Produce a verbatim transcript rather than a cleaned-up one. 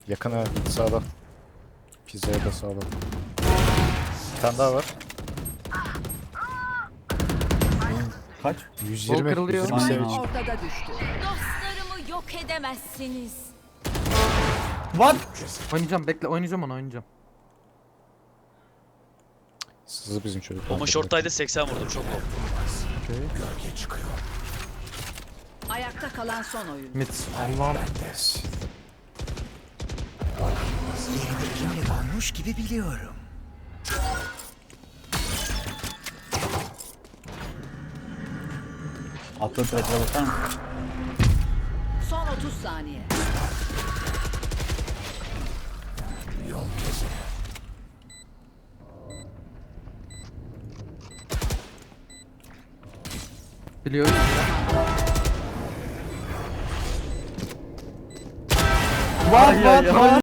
Yakın ha, sağda. Pizzaya da sağda. Bir tane daha var. Kaç? yüz Bol yirmi, kırılıyor. yüz yirmi Aynen sevinç. abi. Ortada düştü. Dostlarımı yok edemezsiniz. What? Oynayacağım bekle oynayacağım onu oynayacağım. Sızı bizim çocuk. Bomba short'taydı seksen vurdum çok low. Okey. Ayakta kalan son oyun. Mid. Allah'ım. Olmuş gibi biliyorum. Atlı trap'e bakar mısın? Son otuz saniye. Biliyorum. What what what?